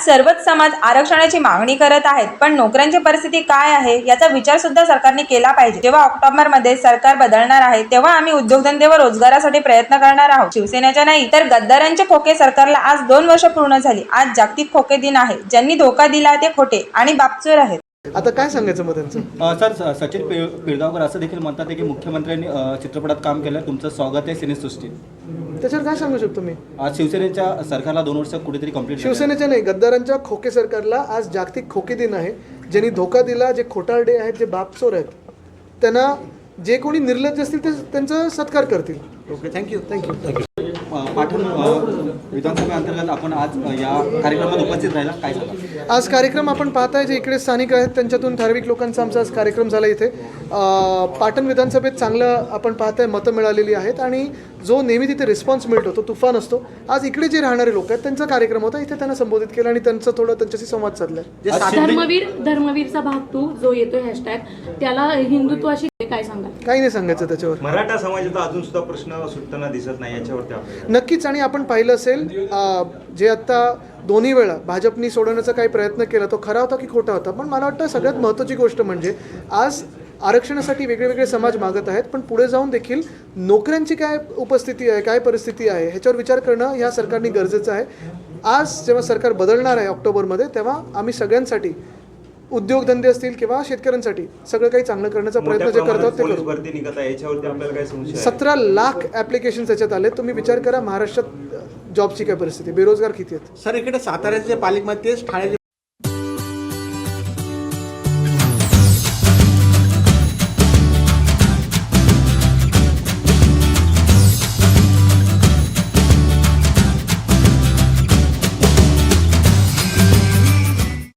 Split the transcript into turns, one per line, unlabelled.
सर्वच समाज आरक्षणाची मागणी करत आहेत, पण नोकऱ्यांची परिस्थिती काय आहे याचा विचार सुद्धा सरकारने केला पाहिजे। जेव्हा ऑक्टोबरमध्ये सरकार बदलणार आहे तेव्हा आम्ही उद्योगधंदे व रोजगारासाठी प्रयत्न करणार आहोत। शिवसेनेच्या नाही तर गद्दारांचे खोके सरकारला आज 2 वर्ष पूर्ण झाली। आज जागतिक खोके दिन आहे। ज्यांनी धोका दिला ते खोटे आणि बापचोर आहेत।
आता काय सांगायचं मग त्यांचं?
सर, सचिन पिळगावकर असं देखील म्हणतात की मुख्यमंत्र्यांनी चित्रपटात काम केलं, तुमचं स्वागत आहे सिनेसृष्टीत।
त्याच्यावर काय सांगू शकतो मी?
आज शिवसेनेच्या सरकारला 2 वर्ष कुठेतरी कंप्लीट,
शिवसेनेच्या नाही गद्दारांच्या खोके सरकारला आज जागतिक खोके दिन आहे। ज्यांनी धोका दिला, जे खोटारडे आहेत, जे बापचोर आहेत, त्यांना जे कोणी निर्लज्ज असतील ते त्यांचा सत्कार करतील।
Okay, thank you. पाटण विधानसभेअंतर्गत आपण आज या कार्यक्रमात उपस्थित राहिला, काय सांगा?
आज कार्यक्रम आपण पाहताय जे इकडे स्थानिक आहेत त्यांच्यातून ठराविक लोकांचा आमचा आज कार्यक्रम झाला इथे। पाटण विधानसभेत चांगलं आपण पाहताय मतं मिळालेली आहेत आणि जो नेहमी तिथे रिस्पॉन्स मिळतो तो तुफान असतो। आज इकडे जे राहणारे लोक आहेत त्यांचा कार्यक्रम होता, इथे त्यांना संबोधित केलं आणि त्यांचं थोडं त्यांच्याशी संवाद साधलाय।
धर्मवीरचा भाग तू जो येतोय हॅशटॅग, त्याला हिंदुत्वाशी काय सांगाल?
काही नाही सांगायचं त्याच्यावर।
मराठा समाजाचा अजून सुद्धा प्रश्न सुटताना दिसत नाही, याच्यावरती
नक्कीच। आणि आपण पाहिलं असेल जे आता दोन्ही वेळा भाजपनी सोडवण्याचा काही प्रयत्न केला तो खरा होता की खोटा होता, पण मला वाटतं सगळ्यात महत्त्वाची गोष्ट म्हणजे आज आरक्षणासाठी वेगळे समाज मागत आहेत, पण पुढे जाऊन देखील नोकऱ्यांची काय उपस्थिती आहे, काय परिस्थिती आहे ह्याच्यावर विचार करणं या सरकारने गरजेचं आहे। आज जेव्हा सरकार बदलणार आहे ऑक्टोबरमध्ये, तेव्हा आम्ही सगळ्यांसाठी उद्योगधंदे असतील किंवा शेतकऱ्यांसाठी सगळं काही चांगलं करण्याचा प्रयत्न जे करतात ते करू। 17 लाख ॲप्लिकेशन्स याच्यात आले। तुम्ही विचार करा महाराष्ट्रात जॉबची काय परिस्थिती, बेरोजगार किती आहेत?
सर, इकडे साताऱ्याचे पालिकेमध्ये ठाणे